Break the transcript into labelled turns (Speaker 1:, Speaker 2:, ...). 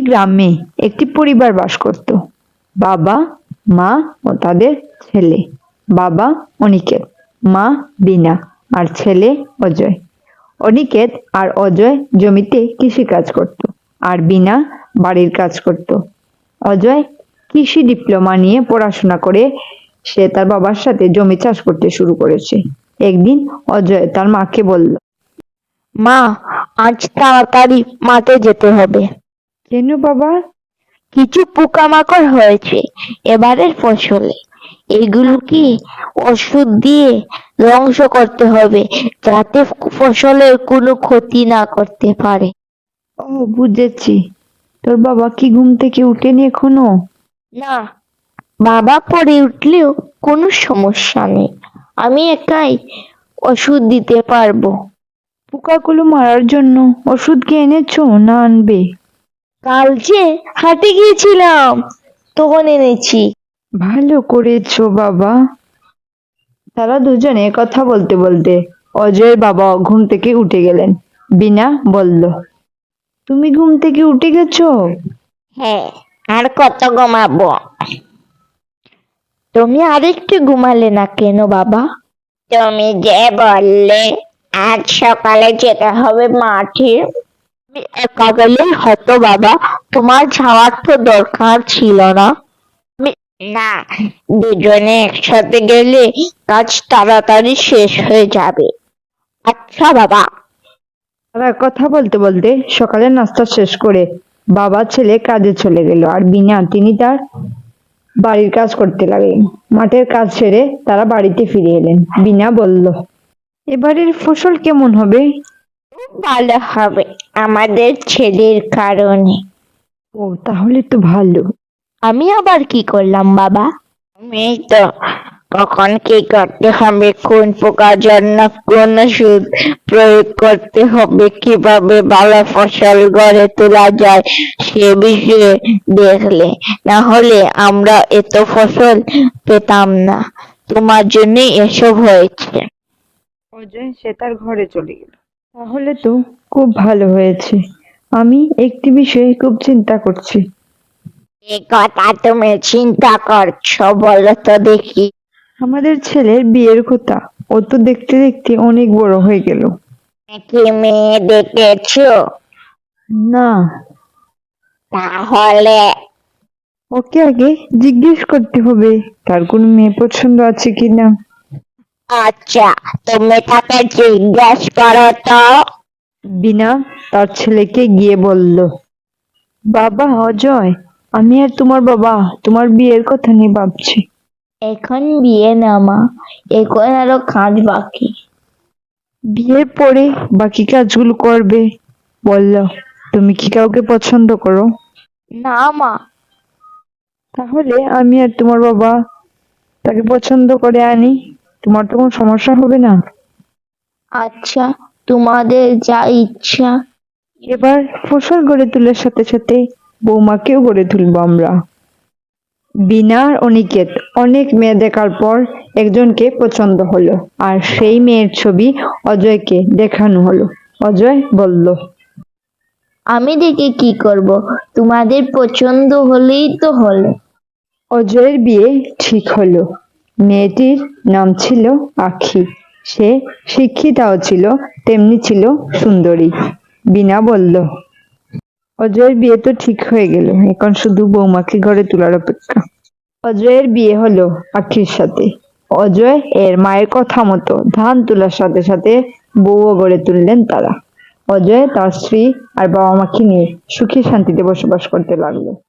Speaker 1: গ্রামে একটি পরিবার বাস করত। বাবা, মা ও তাদের ছেলে। বাবা অনিকেত, মা বিনা আর ছেলে অজয়। অনিকেত আর অজয় জমিতে কৃষি কাজ করত আর বিনা বাড়ির কাজ করত। অজয় কৃষি ডিপ্লোমা নিয়ে পড়াশোনা করে সে তার বাবার সাথে জমি চাষ করতে শুরু করেছে। একদিন অজয় তার মাকে বলল,
Speaker 2: মা, আজ তাড়াতাড়ি মাঠে যেতে হবে।
Speaker 1: কেন বাবা?
Speaker 2: কিছু পোকামাকড় হয়েছে এবারের ফসলে, এগুলোকে ওষুধ দিয়ে ধ্বংস করতে হবে যাতে ফসলের কোনো ক্ষতি না করতে পারে।
Speaker 1: ও, বুঝেছি। তোর বাবা কি ঘুম থেকে উঠেনি এখনো?
Speaker 2: না, বাবা পরে উঠলেও কোনো সমস্যা নেই, আমি একাই ওষুধ দিতে পারবো।
Speaker 1: পোকাগুলো মারার জন্য ওষুধ কি এনেছো না আনবে?
Speaker 2: কাল যে হাটে গিয়েছিলাম তখন এনেছি।
Speaker 1: ভালো করেছো বাবা। তারা দুজনে কথা বলতে বলতে অজয়ের বাবা ঘুম থেকে উঠে গেলেন। বিনা বলল, তুমি ঘুম থেকে উঠে গেছো?
Speaker 2: হ্যাঁ, আর কত ঘুমাবো? তুমি আরেকটু ঘুমালে না কেন বাবা? তুমি যে বললে আজ সকালে যেতে হবে মাঠে। আমি একা গেলেই হতো বাবা, তোমার যাওয়ার তো দরকার ছিল না। না, দুজনে একসাথে গেলে কাজ তাড়াতাড়ি শেষ হয়ে যাবে। আচ্ছা বাবা।
Speaker 1: তারা কথা বলতে বলতে সকালের নাস্তা শেষ করে বাবা ছেলে কাজে চলে গেল আর বিনা তিনি তার বাড়ির কাজ করতে লাগলেন। মাঠের কাজ সেরে তারা বাড়িতে ফিরে এলেন। বিনা বলল, এবারের ফসল কেমন হবে?
Speaker 2: ভালো হবে আমাদের ছেলের কারণে।
Speaker 1: ও, তাহলে তো ভালো।
Speaker 2: আমি আবার কি করলাম বাবা? আমি তো কখন কি করতে হবে, কোন পোকার জন্য কোন ওষুধ প্রয়োগ করতে হবে, কিভাবে ভালো ফসল গড়ে তোলা যায় সে বিষয়ে দেখলে, না হলে আমরা এত ফসল পেতাম না। তোমার জন্যই এসব হয়েছে।
Speaker 1: অজয় সে তার ঘরে চলে গেল। তাহলে তো খুব ভালো হয়েছে। আমি একটি বিষয়ে খুব চিন্তা করছি।
Speaker 2: এ কথা তুমি চিন্তা করছো, বলো তো দেখি।
Speaker 1: আমাদের ছেলের বিয়ের কথা। ও তো দেখতে দেখতে অনেক বড় হয়ে গেল।
Speaker 2: কি মেয়ে দেখেছো?
Speaker 1: না,
Speaker 2: তাহলে
Speaker 1: ওকে আগে জিজ্ঞেস করতে হবে তার কোনো মেয়ে পছন্দ আছে কিনা।
Speaker 2: আচ্ছা, তুমি তাকে জিজ্ঞেস করো তো।
Speaker 1: বিনা তার ছেলেকে গিয়ে বলল, বাবা অজয়, আমি আর তোমার বাবা তোমার বিয়ের কথা নিয়ে ভাবছি।
Speaker 2: এখন বিয়ে না মা, এখন আরো কাজ বাকি।
Speaker 1: বিয়ের পরে বাকি কাজগুলো করবে। বলল, তুমি কি কাউকে পছন্দ করো?
Speaker 2: না মা।
Speaker 1: তাহলে আমি আর তোমার বাবা তাকে পছন্দ করে আনি, তোমার তো কোনো সমস্যা হবে না।
Speaker 2: আচ্ছা, তোমাদের যা ইচ্ছা।
Speaker 1: এবার ফসল গড়ে তোলার সাথে সাথে বৌমাকেও গড়ে তুলবো আমরা। বিনা আর অনিকেত অনেক মেয়ে দেখার পর একজনকে পছন্দ হলো আর সেই মেয়ের ছবি অজয়কে দেখানো হলো। অজয় বলল,
Speaker 2: আমি দেখে কি করব, তোমাদের পছন্দ হলেই তো হলো।
Speaker 1: অজয়ের বিয়ে ঠিক হলো। মেয়েটির নাম ছিল আখি। সে শিক্ষিতাও ছিল, তেমনি ছিল সুন্দরী। বিনা বলল, অজয়ের বিয়ে তো ঠিক হয়ে গেল, এখন শুধু বৌমাকে ঘরে তোলার অপেক্ষা। অজয়ের বিয়ে হলো আখির সাথে। অজয় এর মায়ের কথা মতো ধান তোলার সাথে সাথে বউও গড়ে তুললেন তারা। অজয় তার স্ত্রী আর বাবা মাকে নিয়ে সুখে শান্তিতে বসবাস করতে লাগলো।